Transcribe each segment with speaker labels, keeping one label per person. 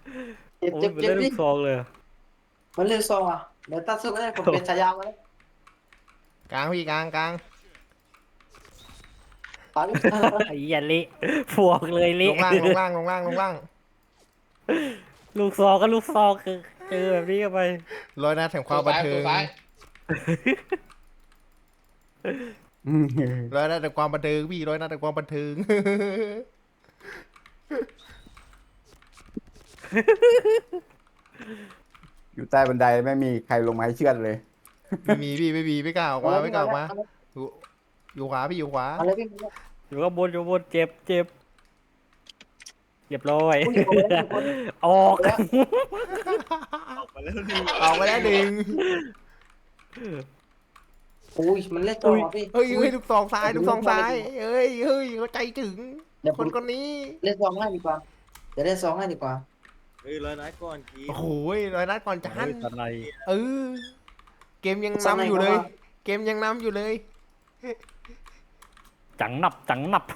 Speaker 1: เจ็บ
Speaker 2: โอ้ย
Speaker 1: เจ็บเจ็บดิ
Speaker 2: มันเล่นลูกซองเลยอะ
Speaker 1: มันเล่นซองอ่ะเดี๋ยวตัดสู้ก็ได้ผมเป็นฉายามาแล้ว
Speaker 3: กลางพี่กลางกลาง
Speaker 1: ตาย
Speaker 2: ไอ้เหี้ยเละพวกเลย
Speaker 3: ล
Speaker 2: เละ
Speaker 3: งล่างลงล่างลงล่างลงล่าง
Speaker 2: ลูกซองก็ลูกซองคือเจอแบบนี้เข้าไป
Speaker 3: ร้อยนัดแห่งค
Speaker 4: ตั
Speaker 3: วามบัน
Speaker 4: วซ้าย
Speaker 3: เทิ
Speaker 4: ตัว
Speaker 3: ง
Speaker 4: ซ้าย
Speaker 3: ร้อยนัดแห่งความบันเทิงพี่ร้อยนัดแห่งความบันเทิง
Speaker 5: อยู่ใต้บันไดไม่มีใครลงมาให้เชือดเลย
Speaker 3: ไม่มีพี่ไม่มีไม่กล้าออกมาไม่กล้าออกมา
Speaker 1: เ
Speaker 3: อยู่อยู่ขวาพี่อยู่ขวา
Speaker 1: อาเลยพี่
Speaker 2: อยู่ข้างบนอยู่ข้างบนเจ็บเจ็บเรียบร้อย
Speaker 1: อุ้ยเอาเลยเอาเลย
Speaker 2: ออก
Speaker 1: แล้ว
Speaker 3: ออกไปแล้วหนึ่ง
Speaker 1: อุ้ยมันเล่นซองอ่ะพี่
Speaker 3: เฮ้ยเฮ้ยลูกซองซ้ายลูกซองซ้ายเฮ้ยเฮ้ยเขาใจถึง
Speaker 1: เดี๋ยว
Speaker 3: ค
Speaker 1: ผม
Speaker 3: นคนนี้
Speaker 1: เล่นซองให้ดีกว่าเดี๋ยวเล่นซองให้ดีกว่า
Speaker 6: เฮ้ยร้อยนัดก่อนกี
Speaker 3: โอ้โหร้อยนัดก่อนจา
Speaker 2: เฮ้
Speaker 3: น
Speaker 2: ยตอนไหน
Speaker 3: เออเกมยังนำอยู่เลย เกมยังนำอยู่เลย
Speaker 2: จังหนับจังหนับ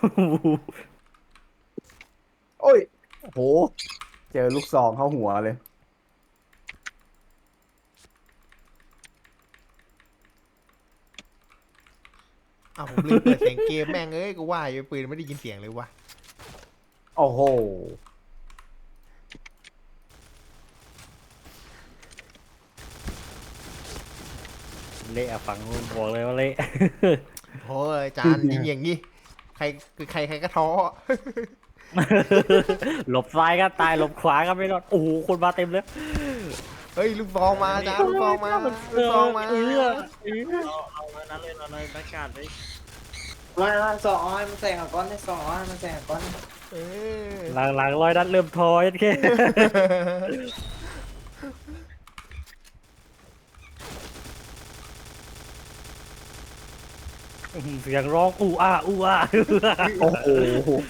Speaker 5: โอ้ยโหเจอลูกซองเข้าหัวเลย
Speaker 3: อ้าวผมลืมเปิดเสียงเกมแม่งเอ้ยกูว่าอยู่ปืนไม่ได้ยินเสียงเลยวะ
Speaker 5: โอ้โห
Speaker 2: เละอะฝั่งนู้นบอกเลยว่าเละ
Speaker 3: โอ้ยจานยิงอย่างงี้ใครใครก็ท้อ
Speaker 2: หลบซ้ายก็ตายหลบขวาก็ไม่รอดโอ้โหคนมาเต็มเลย
Speaker 3: เฮ้ยลูกซองมาจานลูกซองมาลูกซองมา
Speaker 2: เออ
Speaker 6: เอาร้อยนัดเลยร้อยนัดประกาศเลย
Speaker 1: มาซองให้มันแซงอ่ะก้อนให้ซองให้มันแซงอ่ะก้อน
Speaker 3: เออ
Speaker 2: หลังๆร้อยนัดเริ่มทอยแค่ เสียงร้องอู้อ้าอู้อ้า
Speaker 5: โอ้โห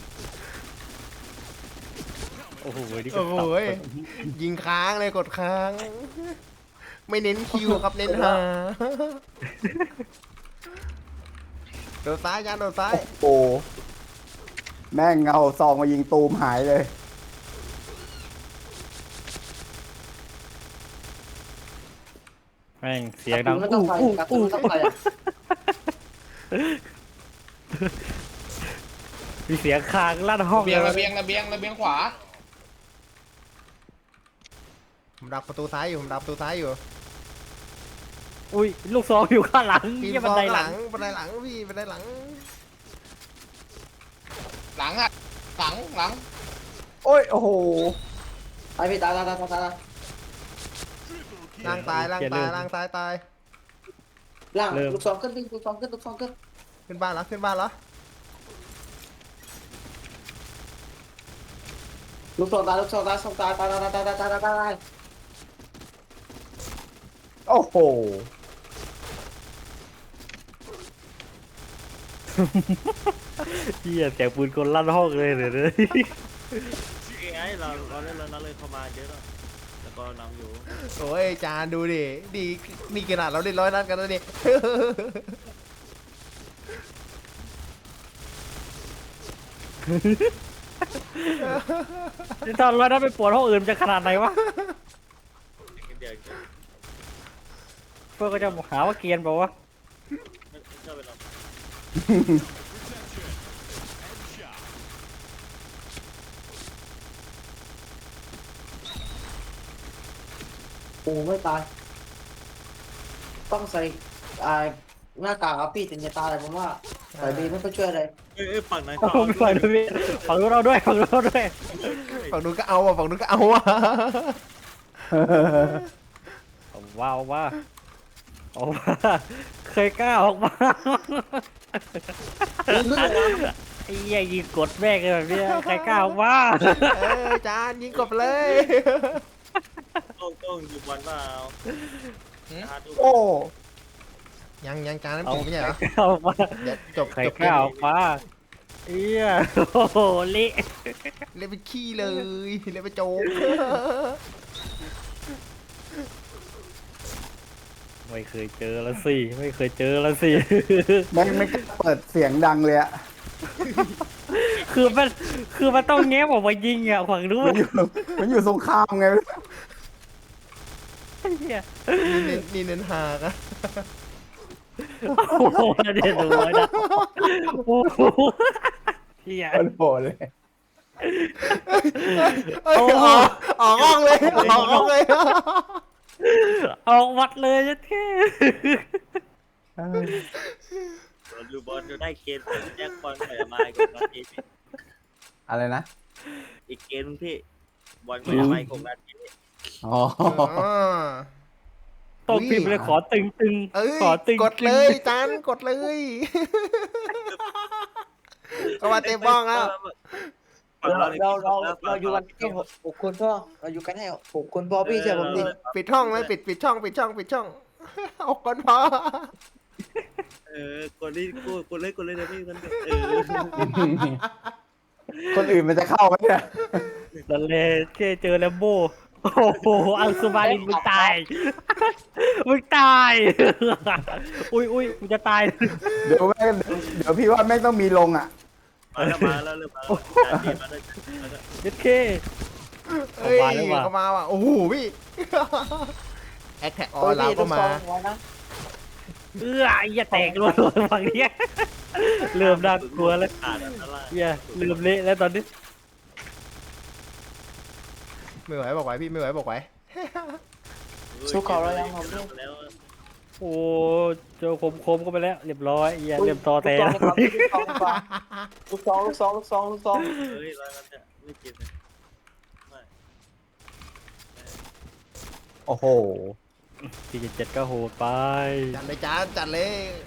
Speaker 2: โอ้โหนี่ก็
Speaker 3: โอ้โห
Speaker 2: สับ
Speaker 3: ยยิงค้างเลยกดค้าง ไม่เน้นคิวครับเน้นหาโดดซ้ายจานโดดซ้าย
Speaker 5: โอ้แม่งเอาซองมายิงตูมหายเลย
Speaker 2: แม่งเสียงดัง
Speaker 1: ไม่ต้องไปกระตุ้นไม่ต้องไปอ่ะ
Speaker 2: มีเสียงคางลั่นห้อง
Speaker 4: เบียง
Speaker 2: เล
Speaker 4: ระเบียงระเบียงระเบียงขวา
Speaker 3: ผมดักประตูซ้ายอยู่ผมดักประตูซ้ายอยู่
Speaker 2: อุ้ยลูกซองอยู่ข้างหลัง
Speaker 3: ปีน
Speaker 2: ยี่
Speaker 3: ซ
Speaker 2: บัน
Speaker 3: อง
Speaker 2: ได
Speaker 3: ห
Speaker 2: ห
Speaker 3: ลั
Speaker 2: ลั
Speaker 3: ง
Speaker 2: ง
Speaker 3: บันไดหลังพี่บันไดหลัง
Speaker 4: หลังอ่ะหลังหลัง
Speaker 5: โอ้ยโอ้โห
Speaker 1: ไปพี่ตายตายตายตายตาย
Speaker 3: ล่างตายล่างตายล่างตายตาย
Speaker 1: ล่างลูกซองขึ้นลูกซองขึ้นลูกซองขึ้น
Speaker 3: ขึ้นบ้านแล้วขึ้นบ้านแล้ว
Speaker 1: ลูกซองตายลูกซองตายซองตายตายตายตายตายตายตาย
Speaker 5: โอ้โห
Speaker 2: เฮียเสียงปืนกลลั่นห้องเลยเดี๋ยวนี้
Speaker 6: ไงเราได้ร้อยนัดเลยเข้ามาเยอะแล้วแต่ก็นำอยู่
Speaker 3: โอ้ยจานดูดิดีนี่ขนาดเราได้ร้อยนัดกันแล้วนี่
Speaker 2: ถ้าร้อยนั้นไปปวดห้องอื่นจะขนาดไหนวะ
Speaker 6: เดี๋ยว
Speaker 2: เพื่อนก็จะหาว่าเกรียนบอกว่า
Speaker 6: ไม่ชอบไปหรอก
Speaker 1: โอ้ไม่ตายต้องใส่หน้ากากพี่ถึงจะตายผมว่าใส่ดีไม่ค่อยช่วยอะไร
Speaker 6: เอ้ยฝั่งนั้น
Speaker 2: เอาไปฝั่งด้วยฝั่งนู้นเราด้วยฝั่งนู้นเราด้วย
Speaker 3: ฝั่งนู้นก็เอาอ่ะฝั่งนู้นก็เอาอ่ะ
Speaker 2: เอาว่าเอาว่าเอาว่าเคยกล้าออกมาไอ้เหี้ยยิงกดแม่งเลยแบบเนี้ยใครกล้าออกมา
Speaker 3: เออจานยิงกบเลย
Speaker 6: ต้องอยู่บอลเปล่า
Speaker 3: โอ้ยังจานนั้น
Speaker 2: เอา
Speaker 3: จบไม่ใช่เหรอ
Speaker 2: เอาออกมา
Speaker 3: เดี๋ยวจบ
Speaker 2: ใคร
Speaker 3: จบ
Speaker 2: ก
Speaker 3: เก
Speaker 2: ล้าม ออกมาเอี้ยโอ้โหเละ
Speaker 3: เล่นเป็นขี้เลยเล่นเป็นโจ๊ก
Speaker 2: ไม่เคยเจอละสิไม่เคยเจอละสิ
Speaker 5: แม่งไม่กล้าเปิดเสียงดังเลยอะ
Speaker 2: คือคือมันต้องแง้มออกมายิงอ่ะขวางรู้
Speaker 5: มันอยู่สงครามไง
Speaker 2: เหี้ย
Speaker 3: นี่เน้นหากะ
Speaker 2: โอ้โหเดี๋ยวดูไว้นะโอ้โหเหี้ย
Speaker 5: มันโหดเลย
Speaker 3: เอ้ยออกห้องเลยออกห้องเลย
Speaker 2: เอาวัดเลยจะเท่
Speaker 6: ดูบอลจะได้เกณฑ์เป็นแจ็คบอลไปมาอีกนาที
Speaker 5: อะไรนะ
Speaker 6: อีกเกณฑ์พี่บอลไปมาอีกนาที
Speaker 5: อ๋อ
Speaker 2: ต้องพิมพ์เลยขอตึง
Speaker 3: เอ้ย
Speaker 2: ขอตึง
Speaker 3: กดเลยจานกดเลยก็มาเต็มบ้องแล้ว
Speaker 1: เราอยู่กันแค่หกคนพ่อเราอยู่กันแค่หกคนพ่อพี่เชื่อผมดิ
Speaker 3: ปิดช่องเลยปิดช่องออกก่อนพอ
Speaker 6: กดเลยกดเลยนะพี่มัน
Speaker 5: คนอื่นมันจะเข้าไหมเนี่ย
Speaker 2: นั่นเลยเจอแลมโบ้โอ้โหอังสุมาลินมึงตายมึงตายอุ้ยมึงจะตาย
Speaker 5: เดี๋ยวพี่ว่าแม่งต้องมีลงอ่ะ
Speaker 6: มาแล้วเริ่มมาแล้ว
Speaker 2: เด็ดเค
Speaker 3: เฮ้ย
Speaker 2: เอามาแล้วว่ะ
Speaker 3: ก็มาว่ะโอ้โหพี่แอคแท็กออนไลน์ก็มา
Speaker 2: อย่าแตกรัวๆฝั่งนี้เริ่มน่ากลัวแล้ว
Speaker 6: ขาดอันตราย
Speaker 2: เหี้ยเริ่มเละแล้วตอนนี้
Speaker 3: ไม่ไหวบอกไหวพี่ไม่ไหวบอกไหว
Speaker 6: แล้ว
Speaker 2: โอ้เจอคมก็ไปแล้วเรียบร้อยเหี้ยเริ่มตอแต่แล้ว
Speaker 1: ลูกซอง
Speaker 6: เฮ้ยร้อยแล้วเนี่ยไม่กินเลยไม่
Speaker 5: โอ้โห
Speaker 2: 4.7ก็โหดไป
Speaker 3: จัดเลยจานจัดเลย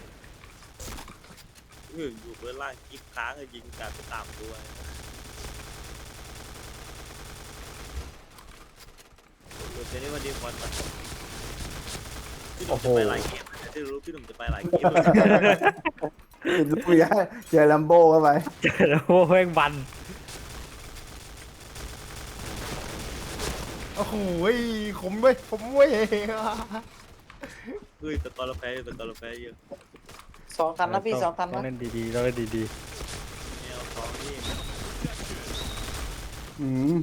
Speaker 6: อยู่เบื้องล่างกิ๊บค้างยิงการไปตามตัวเดี๋ยวนี้วันดีวันมาพี่หนุ่มจะไปหลายเกมจะรู้พี่หนุ่มจะไปหลายเกม
Speaker 5: ติดลูกยาเจอลัมโบ้เข้าไป
Speaker 2: เจอแล้วโแม่งบัน
Speaker 3: โอ้โหขมเว้ย
Speaker 6: เฮ้ยแต่ตอนเราแพ้เยอะ
Speaker 1: 2 คันนะพี่2 คัน
Speaker 2: ต้อ
Speaker 1: นะ
Speaker 2: งเล่นดีๆต้องเล่นดี
Speaker 6: แนวสองนี่
Speaker 5: อืม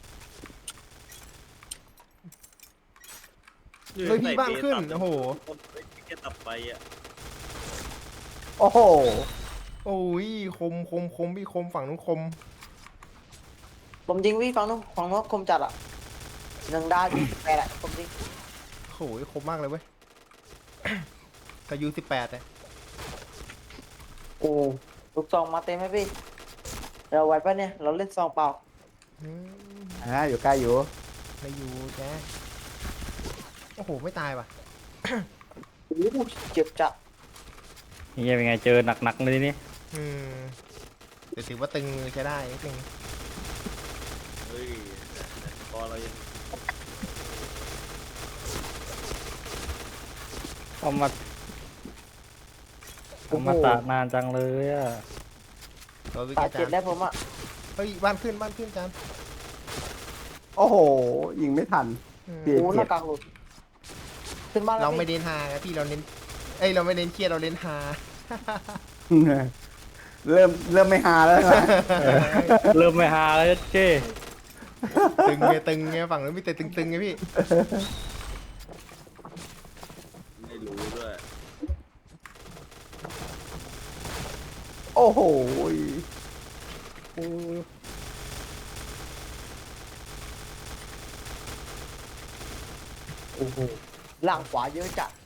Speaker 3: เลยพี่บ้านขึ้นโอ้โห
Speaker 6: แค่ตับไปอ่ะ
Speaker 5: โอ้โห
Speaker 3: โอ้ยคมพี่คมฝั่งนู้นคม
Speaker 1: ผมยิงพี่ฝั่งนู้นคมจัดอ่ะ1 ดาวยิง8อ่ะผมยิง
Speaker 3: โอ้โหคมมากเลยเว้ยกับยู18เลย
Speaker 1: โอ้ลูกซองมาเต็มไหมพี่เราไหวปะเนี่ยเราเล่นซองเปล่า
Speaker 5: อยู่ใกล้อยู่
Speaker 3: ไม่อยู่แกโอ้โหไม่ตายว่ะ
Speaker 1: โอ้โหเจ็บจัด
Speaker 2: ๆนี่เป็นไงเจอหนักๆเลยนี่
Speaker 3: แต่ถือว่าตึงใช้ได้นิดนึง
Speaker 6: เฮ้ยพอเรายัง
Speaker 2: เอามาตานานจังเลยอ่ะ
Speaker 3: ตัววิก
Speaker 1: ตา
Speaker 3: จา
Speaker 1: เจ็บ
Speaker 3: น
Speaker 1: แล้วผมอ่ะ
Speaker 3: เฮ้ยบ้านขึ้นจาน
Speaker 5: โอ้โห ยิงไม่ทัน เปลี่ยน
Speaker 1: โอ้หน้ากากหลุดขึ้นบ้านแล้ว
Speaker 3: เราไม่
Speaker 1: พี่
Speaker 3: เน้นฮาไงพี่เราเน้นเราไม่เน้นเครียดเราเน้นฮา
Speaker 5: เริ่มไม่หาแล้วนะ
Speaker 2: เริ่มไม่หาแล้วเจ้
Speaker 3: ตึงไงฝั่งนู้นมีแต่ตึงไงพี่
Speaker 6: ไม่รู้ด้วย
Speaker 5: โอ้โห
Speaker 1: โอ้โหหลังขวาเยอะจัด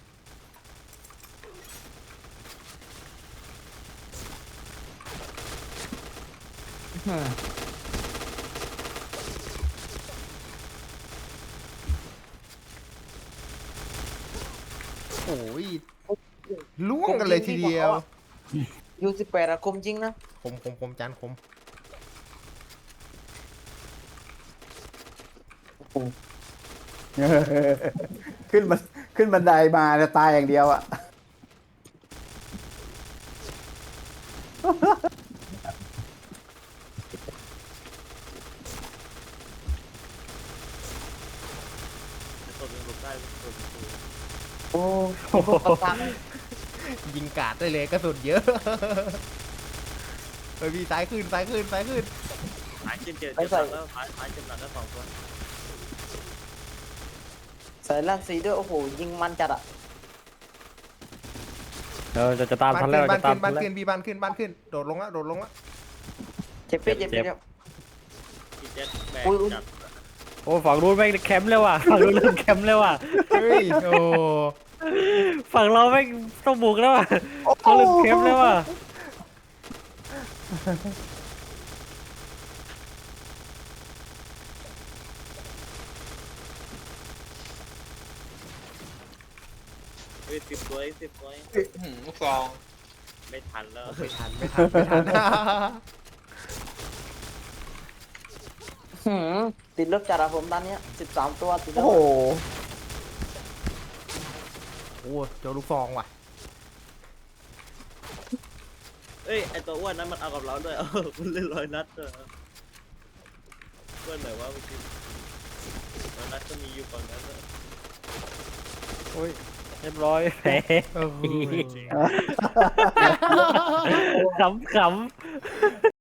Speaker 3: โอ้ยล่วงกันเลยทีเดียว
Speaker 1: ยู18อะคมจริงนะ
Speaker 3: คมจานคม
Speaker 5: ขึ้นบันไดมาจะตายอย่างเดียวอ่ะ
Speaker 6: ตัวยังหลบได้ตัว
Speaker 1: โอ้พวกประทัง
Speaker 3: ยิงกาดได้เลยกระสุนเยอะเฮ้ยพี่ซ้ายขึ้นซ้ายขึ้นซ้ายขึ้น
Speaker 6: หายเจ็บหลังแล้วหายเจ็บหลังแล้ว2 คน
Speaker 1: ใส่ลั่นสีด้วยโอ้โหยิงมันจัดอ่ะ
Speaker 2: จะตามทันแล้ว
Speaker 3: บ้า
Speaker 2: จะ
Speaker 3: น
Speaker 2: ตา
Speaker 3: ขึ้
Speaker 2: ม
Speaker 3: น
Speaker 2: ทั
Speaker 3: บ้าน น
Speaker 2: แล้ว
Speaker 3: ขึ้นพี่บ้านขึ้นบ้านขึ้นโดดลงละโดดลงละ
Speaker 1: เจ็บเปี้ยเจ็บเปี้ย
Speaker 6: พี่เจ็ดแบกจับ
Speaker 2: โอ้ฝั่งนู้นแม่งแคมป์แล้วว่ะฝั่งนู้นเริ่มแคมป์แล้วว่ะ
Speaker 3: เฮ้ยโอ้
Speaker 2: ฝั่งเราแม่งต้องบุกแล้วว่ะเขาเริ่มแคมป์แล้วว่ะ
Speaker 6: เฮ้ย10 ตัว10 ตัว
Speaker 4: ลูกซอง
Speaker 6: ไม่ทันแล้ว
Speaker 3: ไม่ทันไม่ทันไม่ทัน
Speaker 1: ติดลบจัดอะผมตอนเนี้ย13 ตัวติดล
Speaker 5: โอ้
Speaker 1: บ
Speaker 5: โห
Speaker 3: โอ้เจอลูกซองว่ะ
Speaker 6: เอ้ยไอตัวอ้วนนั้นมันเอากับเราด้วยมันเล่น100 นัดด้วยอ้วนไหนวะเมื่อกี้100 นัดก็มีอยู่ฝั่งนั้น
Speaker 2: โอ้ยเรียบร้อยแหม
Speaker 3: เออ
Speaker 2: ขำ